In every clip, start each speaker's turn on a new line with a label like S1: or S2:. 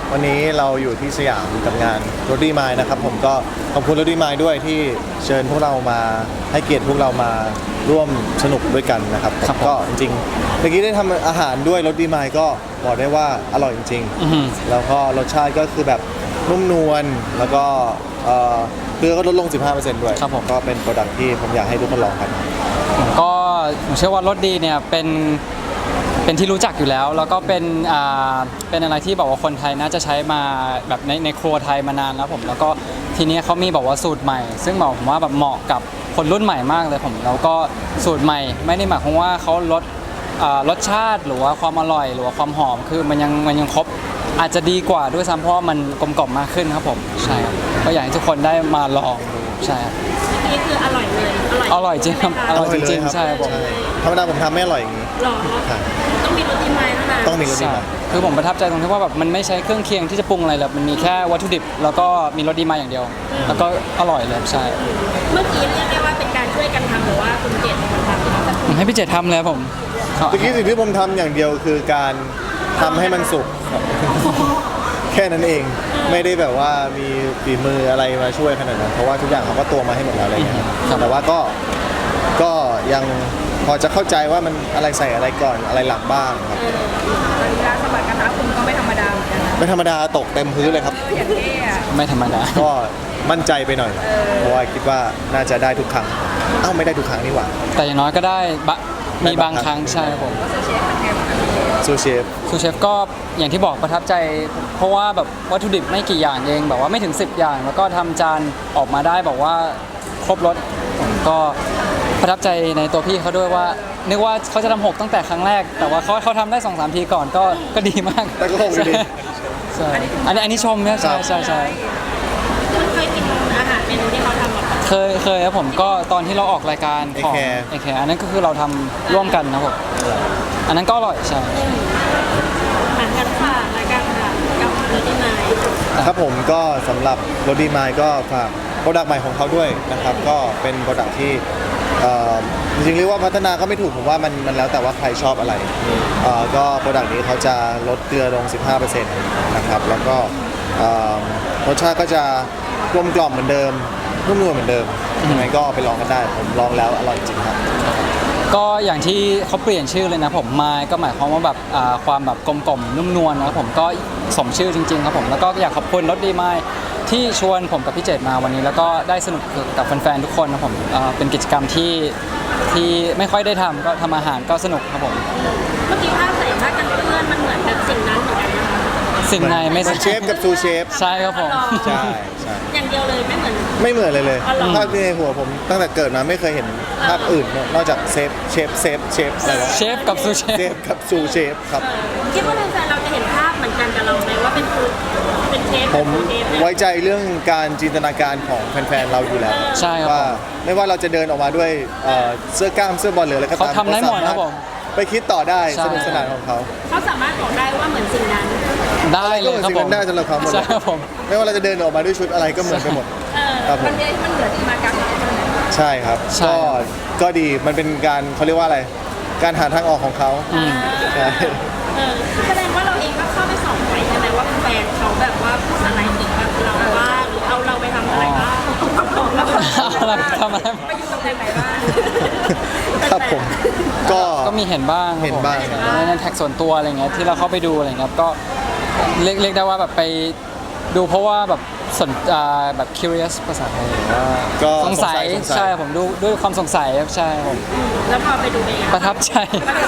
S1: วันนี้เราอยู่ที่สยามกับงานรถดีมายนะครับผมก็ขอบคุณรถดีมายด้วยที่เชิญพวกเรามาให้เกียรติพวกเรามาร่วมสนุกด้วยกันนะครับก็จริงๆเมื่อกี้ได้ทำอาหารด้วยรถดีมายก็บอกได้ว่าอร่อยจริงๆแล้วก็รสชาติก็คือแบบนุ่มนวลแล้วก็เกลือก็ลดลง 15% ด้วย
S2: ครับผม
S1: ก็เป็นโปรดักที่ผมอยากให้ทุกคนลองกัน
S2: ก็ผมเชื่อว่ารสดีเนี่ยเป็นที่รู้จักอยู่แล้วแล้วก็เป็นอะไรที่บอกว่าคนไทยน่าจะใช้มาแบบในครัวไทยมานานแล้วผมแล้วก็ทีนี้เขามีบอกว่าสูตรใหม่ซึ่งบอกผมว่าแบบเหมาะกับคนรุ่นใหม่มากเลยผมแล้วก็สูตรใหม่ไม่ได้หมายความว่าเขาลดรสชาติหรือว่าความอร่อยหรือว่าความหอมคือมันยังครบอาจจะดีกว่าด้วยซ้ำเพราะมันกลมกล่อมมากขึ้นครับผมใช่ครับก็อยากให้ทุกคนได้มาลองดูใช่ครับ
S3: นี่คืออร่อยเลย
S2: อร่อยจริงครับอร่อยจริงๆใช่ครับผม
S1: ธรรมดาผมทำไม่อร่อยอย่างนี้
S3: หรอต้องมีรสดีมายเท่านั้น
S1: ต้องมีรสดีมาย
S2: คือผมประทับใจตรงที่ว่าแบบมันไม่ใช้เครื่องเคียงที่จะปรุงอะไรเลยมันมีแค่วัตถุดิบแล้วก็มีรสดีมายอย่างเดียวแล้วก็อร่อยเลยใช่
S3: เมื่อกี้เรียกได้ว่าเป็นการช่วยกันทำหรือว่าคุณเจตเป็นคนทำ
S2: ให้พี่เจตทำเลยผม
S1: เมื่อกี้สิ่งที่ผมทำอย่างเดียวคือการทำให้มันสุกแค่นั้นเองไม่ได้แบบว่ามีฝีมืออะไรมาช่วยขนาดนั้นเพราะว่าทุกอย่างเขาก็ตวงมาให้หมดแล้วอะไรเงี้ยแต่ว่าก็ยังพอจะเข้าใจว่ามันอะไรใส่อะไรก่อนอะไรหลังบ้างครับ
S3: ตอนนี้ร้านสบัดกระทะคุณก็ไม่ธรรมดาเหมือนกันนะ
S1: ไม่ธรรมดาตกเต็มพื้นเลยครับ
S3: อย่างนี้
S2: ไม่ธรรมดา
S1: ก็มั่นใจไปหน่อยเพราะว่าคิดว่าน่าจะได้ทุกครั้งไม่ได้ทุกครั้งนี่หว่า
S2: แต่อย่างน้อยก็ได้มีบางครั้งใช่ผม
S1: ซูเช
S2: ฟก็อย่างที่บอกประทับใจเพราะว่าแบบวัตถุดิบไม่กี่อย่างเองแบบว่าไม่ถึง10อย่างแล้วก็ทำจานออกมาได้บอกว่าครบรสก็ประทับใจในตัวพี่เขาด้วยว่านึกว่าเขาจะทำ6ตั้งแต่ครั้งแรกแต่ว่าเขาทำได้ 2-3 ทีก่อนก็ดีมาก
S1: แต่ก็คงดี
S2: ใช่อันนี้ชมนะใช่
S3: คุณเคยกินอาหารเมนูที่เขาทำหรอ
S2: เคยครับผมก็ตอนที่เราออกรายการของเอแคร์อันนั้นก็คือเราทำร่วมกันนะผมอันนั้นก็อร่อยใช่
S3: เหมือนกันค่ะรายการค่ะกับรถดีมาย
S1: ครับผมก็สำหรับรถดีมายก็ฝากโปรดักต์ใหม่ของเขาด้วยนะครับก็เป็นโปรดักต์ที่จริงๆเรียกว่าพัฒนาก็ไม่ถูกผมว่ามันแล้วแต่ว่าใครชอบอะไรก็โปรดักต์นี้เขาจะลดเกลือลง 15% นะครับแล้วก็รสชาติก็จะกลมกล่อมเหมือนเดิมนุ่มนวลเหมือนเดิมยังไงก็ไปลองกันได้ผมลองแล้วอร่อยจริงครับ
S2: ก็อย่างที่เขาเปลี่ยนชื่อเลยนะผมมายก็หมายความว่าแบบความแบบกลมกล่อมนุ่มนวลนะผมก็สมชื่อจริงๆครับผมแล้วก็อยากขอบคุณรถดีมายที่ชวนผมกับพี่เจตมาวันนี้แล้วก็ได้สนุกกับแฟนๆทุกคนนะผมเป็นกิจกรรมที่ไม่ค่อยได้ทำก็ทำอาหารก็สนุกครับผม
S3: เมื่อกี้ภาพใส่ผ้ากันเปื้อนมันเหมือนแบบสิ่งนั้นเหมือนกันนะคะ
S2: สิ่งในไม่
S1: เชฟกับซูเชฟ
S2: ใช่ครับผม
S1: ใช่
S3: อย่างเดียวเลยไม่เหมือน
S1: เลยภาพในหัวผมตั้งแต่เกิดมาไม่เคยเห็นภาพอื่นนอกจากเชฟอะไรวะ
S2: เชฟกับซูเชฟ
S1: กับซูเชฟครับ
S3: คิดว่าแฟนๆเราจะเห็นภาพเหมือนกันกับเราไหมว่าเป็นเชฟ
S1: ผมไว้ใจเรื่องการจินตนาการของแฟนๆเราอยู่แล้ว
S2: ใช่ครับ
S1: ว่าไม่ว่าเราจะเดินออกมาด้วยเสื้อกล้ามเสื้อบอลหรืออะไรก็ตาม
S2: เขาทำได้หมดครับผม
S1: ไปคิดต่อได้สนุกสนานของเขา
S3: สามารถบอกได้ว่าเหมือนสิ่งนั้น
S2: ได้เลยครับผม
S1: ได้สำหรับเขาหมดไม่ว่าเราจะเดินออกมาด้วยชุดอะไรก็เหมือนไปหมด
S3: มันเหลือที่มากัก
S1: ใช่ครับก็ดีมันเป็นการเขาเรียกว่าอะไรการหาทางออกของเขา
S3: ใช่แสดงว่าเราเองก็เข้าไปส่องไปใช่ไหมว่าแฟนเขาแบบว่าพูดอะไรถึงแบบเราว่าหรือเอาเราไปทำอะไรบ้าง
S2: ทำอะไร
S3: ไปอยู่ตรงไหนบ้าง
S1: ครับผม
S2: ก็มีเห็นบ้างในแท็กส่วนตัวอะไรเงี้ยที่เราเข้าไปดูอะไรเงี้ยก็เรียกได้ว่าแบบไปดูเพราะว่าแบบแบบ curious ภาษาไทย
S1: ก็
S2: สงสัยใช่ผมดูด้วยความสงสัยใช่ผม
S3: แล้วพอไปดูเอง
S2: ประทับใจ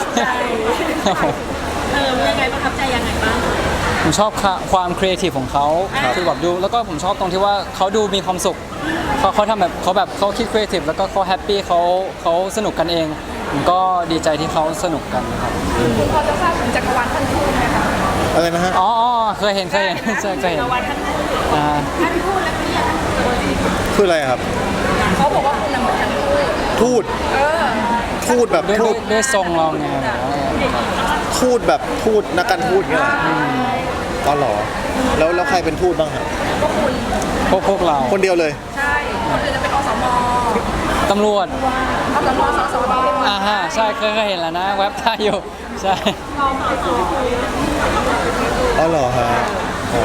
S3: ยังไงประทับใจยังไงบ้าง
S2: ผมชอบความครีเอทีฟของเขาคือแบบดูแล้วก็ผมชอบตรงที่ว่าเขาดูมีความสุขเขาทำแบบเขาคิดครีเอทีฟแล้วก็เขาแฮปปี้เขาสนุกกันเองผมก็ดีใจที่เขาสนุกกันครับ
S3: คุณพอจะทราบถึงจักรวาลท่านทูตไหมคะ
S1: อะไรนะฮะ
S2: อ๋อเคยเห็นใช่เคยเห็น
S3: จักรวาลท่านทูตแล้วคุณอยาก
S1: พูดอะไรครับ
S3: เขาบอกว่าคุณนำมา
S1: ทูตแบบทูต
S2: ด้วยทรงเราไง
S1: ทูตแบบทูตนักการทูตเงี้ยก็หรอแล้วใครเป็นทูตบ้างครับ
S2: พวกเรา
S1: คนเดียวเลย
S3: ใช่คนอื่นจะเป็นอสม.
S2: ตำรวจ
S3: สสบ.
S2: ใช่เคยเห็นแล้วนะเว็บไทยอยู่ใช่
S1: อ๋อเหรอฮะ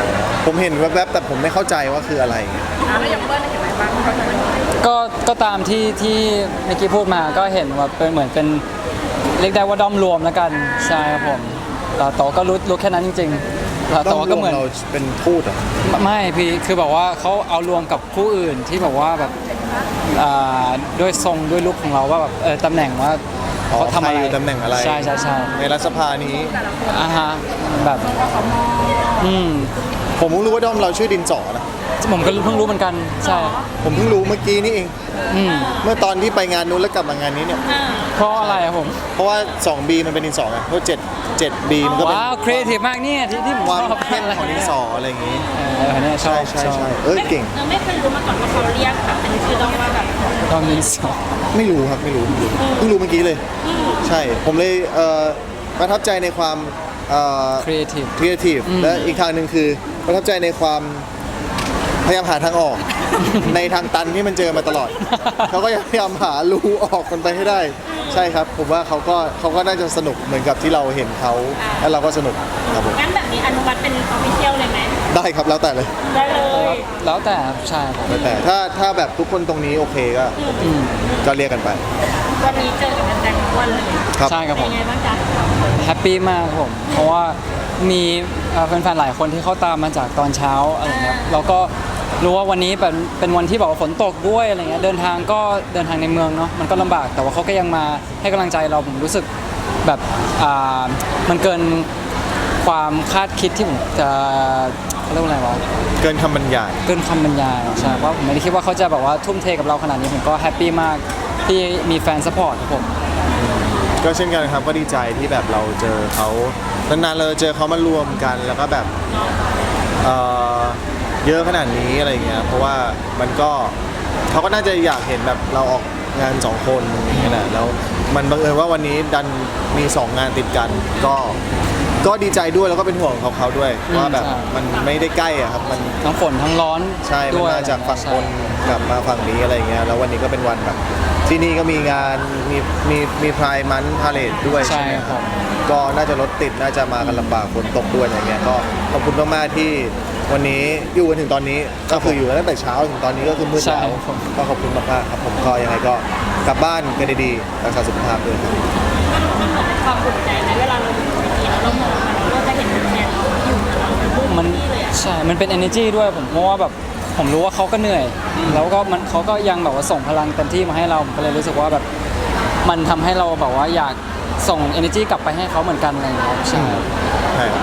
S1: ผมเห็นแวบๆแต่ผมไม่เข้าใจว่าคืออะไร
S3: แล้วอย่างเบิ้ลเห็นอะไรบ้างเขาจะเป็น
S2: ก็ตามที่เมื่อกี้พูดมาก็เห็นว่าเป็นเหมือนเป็นเรียกได้ว่าด้อมรวมแล้วกันใช่ครับผมแต่ว่าก็รู้แค่นั้นจริงๆแต่ว่าก็เหมือน
S1: เราเป็นทูตเหรอ
S2: ไม่พี่คือบอกว่าเขาเอารวมกับคู่อื่นที่บอกว่าแบบด้วยทรงด้วยลุคของเราว่าแบบตำแหน่งว่า
S1: อ๋อ
S2: เขาทำ
S1: ใคร
S2: อะไร
S1: อยู่ตำแหน่งอะไร
S2: ใช่ใช่ใช่
S1: ในรัฐสภานี้
S2: อ่าฮะแบบอืม
S1: ผมเพิ่งรู้ว่าด้อมเราชื่อดินสอนะ
S2: ผมก็เพิ่งรู้เหมือนกันใช่
S1: ผมเพิ่งรู้เมื่อกี้นี่เอง
S2: อืม
S1: เมื่อตอนที่ไปงานนู้นแล้วกลับมางานนี้เนี่ย
S2: เพราะอะไรอะผม
S1: เพราะว่า 2B มันเป็นดินสอไงเพราะ7B มันก็เป็น
S2: ว้าวครีเอทีฟมากเนี่ยที่ผม
S1: ความ
S2: ชอบ
S1: เข้มของดินสออะไรอย่างงี้
S2: เนี่ยชอ
S1: ใช่
S2: บ
S1: ใช่
S2: ชอบ
S1: ใช่เก่ง
S3: เราไม่เคยรู้มาก่อนว่าเขาเรียกแบบเป็นชื่อด้อมว่าแบบ
S2: ต้องยินสอง
S1: ไม่รู้ครับไม่รู้เพิ่งรู้เมื่อกี้เลย ใช่ผมเลยประทับใจในความ
S2: ครีเอทีฟ
S1: ครีเอทีฟ
S2: อืม
S1: และอีกทางหนึ่งคือประทับใจในความพยายามหาทางออก ในทางตันที่มันเจอมาตลอด เขาก็พยายามหารูออกมันไปให้ได้ ใช่ครับผมว่าเขาก็น่าจะสนุกเหมือนกับที่เราเห็นเขาแล้วเราก็สนุกครับผม
S3: งั้นแบบนี้อนุมัติเป็นออฟฟิเชียลเลยไหม
S1: ได้ครับแล้วแต่เลย
S3: ได้เลย
S2: แล้วแต่ใช่ครับ
S1: แล้วแต่ถ้าแบบทุกคนตรงนี้โอเคก็
S2: อืม
S1: ก็เรียกกันไป
S3: วันนี้เจอกับแฟนๆทุกวันเลย
S1: ครับ
S2: ใช่ครับ
S3: เป็
S2: ผ
S3: น
S2: ม
S3: ไงบ้างจ๊ะ
S2: แฮปปี้มากครับผม เพราะว่ามีแฟนๆหลายคนที่เขาตามมาจากตอนเช้าอะไรเงี้ยแล้วก็รู้ว่าวันนี้เป็นวันที่แบบว่าฝนตกด้วยอะไรเงี้ยเดินทางในเมืองเนาะมันก็ลำบากแต่ว่าเขาก็ยังมาให้กำลังใจเราผมรู้สึกแบบมันเกินความคาดคิดที่ผมจะเขาเรียกว่าอะไรวะ
S1: เกินคำบรรยาย
S2: เกินคำบรรยายใช่เพราะผมไม่ได้คิดว่าเขาจะแบบว่าทุ่มเทกับเราขนาดนี้ผมก็แฮปปี้มากที่มีแฟนซัพพอร์ตครับผม
S1: ก็เช่นกันครับก็ดีใจที่แบบเราเจอเขานานๆเราเจอเขามารวมกันแล้วก็แบบเอ่อเยอะขนาดนี้อะไรเงี้ยเพราะว่ามันก็เขาก็น่าจะอยากเห็นแบบเราออกงาน2คนอย่างเงี้ยแหละแล้วมันบังเอิญว่าวันนี้ดันมี2งานติดกันก็ดีใจด้วยแล้วก็เป็นห่วงเขาด้วยว่าแบบมันไม่ได้ใกล้อะครับมัน
S2: ทั้งฝนทั้งร้อน
S1: ใช่มัน
S2: ด้วย
S1: มาจากฝั่ง
S2: ใช่
S1: บนกลับมาฝั่งนี้อะไรเงี้ยแล้ววันนี้ก็เป็นวันแบบที่นี่ก็มีงานมีพรายมันพาเลทด้วย
S2: ใช่
S1: ใช่ไหม
S2: ค
S1: ค
S2: รั
S1: รั
S2: บบ
S1: ก็น่าจะรถติดน่าจะมากันลำบากฝนตกด้วยอะไรเงี้ยก็ขอบคุณมากๆที่วันนี้อยู่กันถึงตอนนี้ก็คืออยู่กันตั้งแต่เช้าถึงตอนนี้ก็คือมืด
S2: ใช่
S1: แล้ว
S2: ผม
S1: ก็ขอบคุณมากๆครับผมก็ยังไงก็กลับบ้านกันดีๆรักษาสุขภาพด้วยครับ
S3: มันเหมือนเป็นความภูมิใจในเวลาเราอยู่บนเวทีแล้วเรามองมันเราก็จะเห็นแฟนๆเราอยู่กับเราเป็นผู้
S2: มัน
S3: ที่เลยอะ
S2: ใช่ มันเป็น energy ด้วยผมเพราะว่าแบบผมรู้ว่าเขาก็เหนื่อย แล้วก็เขาก็ยังแบบว่าส่งพลังเต็มที่มาให้เราผมก็เลยรู้สึกว่าแบบมันทำให้เราแบบว่าอยากส่ง energy กลับไปให้เขาเหมือนกันอะไรอย่างเงี้ยใช่
S1: ใช่ครับ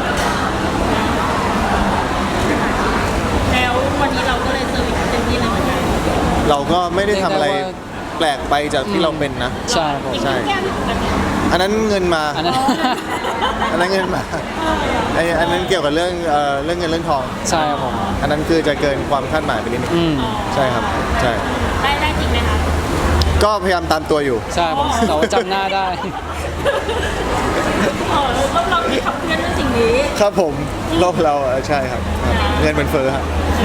S3: แล้ววันนี้เราก็เลยเซอร์วิสเต็มที่เลยเหมือนกัน
S1: เราก็ไม่ได้ทำอะไรแปลกไปจากที่เราเป็นนะ
S2: ใช่ผม
S1: ใช่
S3: แก้มอยู่กันเนี่ย
S1: อันนั้นเงินมา
S2: อันนั้น
S1: อันนั้นเงินมาอันนั้นเกี่ยวกับเรื่องเรื่องเงินเรื่องทอง
S2: ใช่ครับผม
S1: อันนั้นคือจะเกินความคาดหมายไปนิดนึง
S2: อืม
S1: ใช่ครับใช่
S3: ได้จริงไหมคะ
S1: ก็พยายามตามตัวอยู่
S2: ใช่ผมแต่ว่าจำหน้าได้
S3: เราที่ขับเคลื่อนเรื่องสิ่งนี้
S1: ครับผมโลกเราใช่ครับเงินเป็นเฟ้อครับ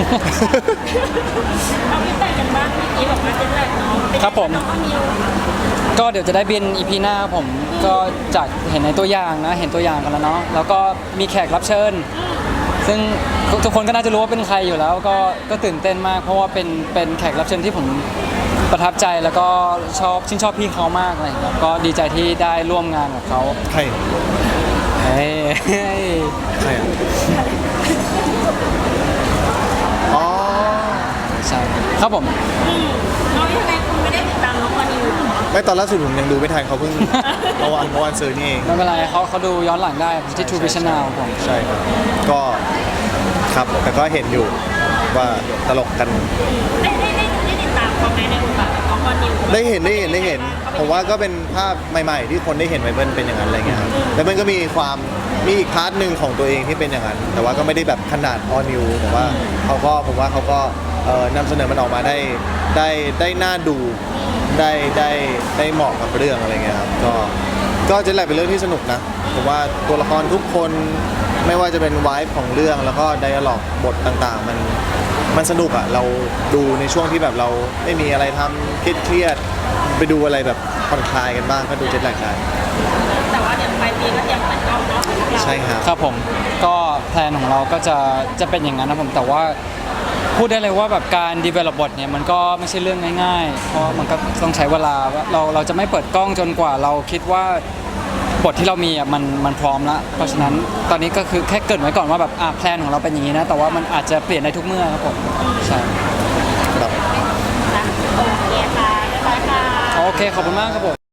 S3: เอาพี่แต่งกันบ้างเมื่อกี้บอกว่าเจ็ตแลกเนาะเป็นไง
S2: ครับผม
S3: น้องมิว
S2: ก็เดี๋ยวจะได้บิน EP หน้าครับผมก็จากเห็นในตัวอย่างนะเห็นตัวอย่างกันแล้วเนาะแล้วก็มีแขกรับเชิญ ซึ่งทุกคนก็น่าจะรู้ว่าเป็นใครอยู่แล้วก็ตื่นเต้นมาก เพราะว่าเป็นแขกรับเชิญที่ผมประทับใจแล้วก็ชื่นชอบพี่เขามากอะไรอย่างเงี้ยก็ดีใจที่ได้ร่วมงานกับเขา
S1: ใคร
S2: เฮ้ย
S1: ใครอ่ะอ๋อ
S2: ใช่ครับผม
S3: น้องยังไงคุณไม่ได้ติดตามน้องวันนิวเหรอ
S1: ไม่ตอนล่าสุดผมยังดูไม่ทันเขาเพิ่ง เมื่อวานซื้อนี่เอง
S2: ไม่เป็นไรเขาดูย้อนหลังได้ที่ True Vision Now ผม
S1: ใช่ครับก็ครับแต่ก็เห็นอยู่ว่าตลกกัน
S3: ได้ติดตามเขาไหมในบทบาทของน้องวันนิว
S1: ได้เห็นผมว่าก็เป็นภาพใหม่ๆ ที่คนได้เห็นไบเบิลเป็นอย่างนั้นอะไรเงี้ยครับแล้วมันก็มีอีกพาร์ทหนึ่งของตัวเองที่เป็นอย่างนั้น แต่ว่าก็ไม่ได้แบบขนาดออนิวแต่ว่าผมว่าเขาก็นำเสนอมันออกมาได้น่าดูได้เหมาะกับเรื่องอะไรเงี้ยครับก็จะแหละเป็นเรื่องที่สนุกนะผมว่าตัวละครทุกคนไม่ว่าจะเป็นไวฟ์ของเรื่องแล้วก็ไดอะล็อกบทต่างๆ มันสนุกอะเราดูในช่วงที่แบบเราไม่มีอะไรทำเครียดๆไปดูอะไรแบบผ่อนคลายกันบ้างก็ดูเจ็ตแลกได้
S3: แต่ว่าเดี๋ยวปลายปีก็เตรียมเปิดกล้องเนาะ
S1: ใช่ครับ
S2: ครับผมก็พลนของเราก็จะเป็นอย่างนั้นนะผมแต่ว่าพูดได้เลยว่าแบบการ develop บทเนี่ยมันก็ไม่ใช่เรื่องง่ายๆ เพราะมันก็ต้องใช้เวลาว่าเราจะไม่เปิดกล้องจนกว่าเราคิดว่าบทที่เรามีอ่ะมันพร้อมแล้วเพราะฉะนั้นตอนนี้ก็คือแค่เกรินไว้ก่อนว่าแบบแพลนของเราเป็นอย่างนี้นะแต่ว่ามันอาจจะเปลี่ยนได้ทุกเมื่อครับผมใช่
S1: ครับ
S3: นะโอเคค่ะเรียบร้อยค่ะ
S2: โอเคขอบคุณมากครับผม